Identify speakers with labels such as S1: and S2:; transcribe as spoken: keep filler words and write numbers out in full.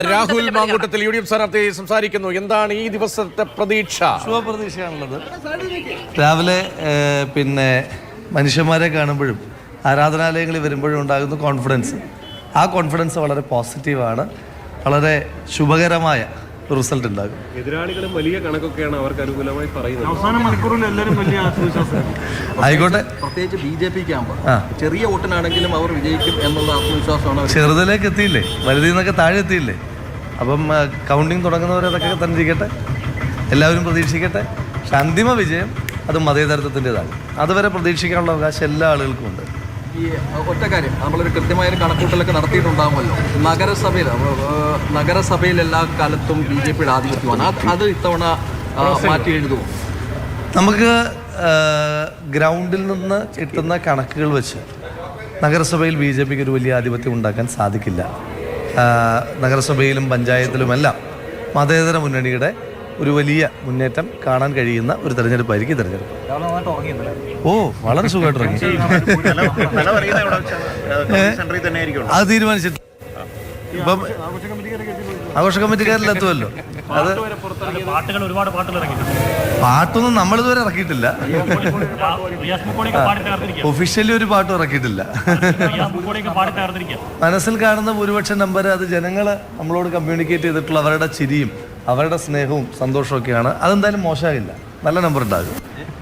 S1: Rahul Mankoottathil U D F സ്ഥാനാർത്ഥി സംസാരിക്കുന്നു. എന്താണ് ഈ ദിവസത്തെ പ്രതീക്ഷ?
S2: ശുഭപ്രതീക്ഷയാണുള്ളത്. രാവിലെ പിന്നെ മനുഷ്യന്മാരെ കാണുമ്പോഴും ആരാധനാലയങ്ങളിൽ വരുമ്പോഴും ഉണ്ടാകുന്ന കോൺഫിഡൻസ്, ആ കോൺഫിഡൻസ് വളരെ പോസിറ്റീവാണ്. വളരെ ശുഭകരമായ റിസൾട്ട് ഉണ്ടാകും.
S3: എതിരാളികളും വലിയ കണക്കൊക്കെയാണ് അവർക്ക് അനുകൂലമായി പറയുന്നത്.
S4: അവസാന മണിക്കൂറിൽ എല്ലാവരും വലിയ ആത്മവിശ്വാസം.
S2: ആയിക്കോട്ടെ,
S5: പ്രത്യേകിച്ച് ബി ജെ പിക്ക് ആകുമ്പോൾ ചെറിയ വോട്ടിനാണെങ്കിലും അവർ വിജയിക്കും എന്നുള്ള ആത്മവിശ്വാസമാണ്.
S2: ചെറുതിലേക്ക് എത്തിയില്ലേ, വലുതിൽ നിന്നൊക്കെ താഴെ എത്തിയില്ലേ. അപ്പം കൗണ്ടിങ് തുടങ്ങുന്നവരതൊക്കെ തന്നെ ഇരിക്കട്ടെ, എല്ലാവരും പ്രതീക്ഷിക്കട്ടെ. പക്ഷെ അന്തിമ വിജയം അത് മതേതരത്വത്തിൻ്റെതാണ്. അതുവരെ പ്രതീക്ഷിക്കാനുള്ള അവകാശം എല്ലാ ആളുകൾക്കും ഉണ്ട്.
S5: ഈ ഒറ്റ കാര്യം, നമ്മളൊരു കൃത്യമായൊരു കണക്കൂട്ടലൊക്കെ നടത്തിയിട്ടുണ്ടാകുമല്ലോ. നഗരസഭയിൽ നഗരസഭയിൽ എല്ലാ കാലത്തും ബി ജെ പിയുടെ ആധിപത്യമാണ്. അത് ഇത്തവണ മാറ്റി എഴുതുമോ?
S2: നമുക്ക് ഗ്രൗണ്ടിൽ നിന്ന് കിട്ടുന്ന കണക്കുകൾ വെച്ച് നഗരസഭയിൽ ബി ജെ പിക്ക് ഒരു വലിയ ആധിപത്യം ഉണ്ടാക്കാൻ സാധിക്കില്ല. നഗരസഭയിലും പഞ്ചായത്തിലുമെല്ലാം മതേതര മുന്നണിയുടെ ഒരു വലിയ മുന്നേറ്റം കാണാൻ കഴിയുന്ന ഒരു തെരഞ്ഞെടുപ്പായിരിക്കും തെരഞ്ഞെടുപ്പ്. ഓ, വളരെ സുഖമായിട്ട് ഇറങ്ങി. അത് തീരുമാനിച്ചിട്ട് ഇപ്പം ആഘോഷ കമ്മിറ്റിക്കാരിലെത്തുമല്ലോ. അത് പാട്ടൊന്നും നമ്മളിതുവരെ ഇറക്കിയിട്ടില്ല. ഒഫീഷ്യലി ഒരു പാട്ടും ഇറക്കിയിട്ടില്ല. മനസ്സിൽ കാണുന്ന ഭൂരിപക്ഷം നമ്പർ അത് ജനങ്ങൾ നമ്മളോട് കമ്മ്യൂണിക്കേറ്റ് ചെയ്തിട്ടുള്ള അവരുടെ ചിരിയും അവരുടെ സ്നേഹവും സന്തോഷമൊക്കെയാണ്. അതെന്തായാലും മോശമാകില്ല, നല്ല നമ്പർ ഉണ്ടാകും.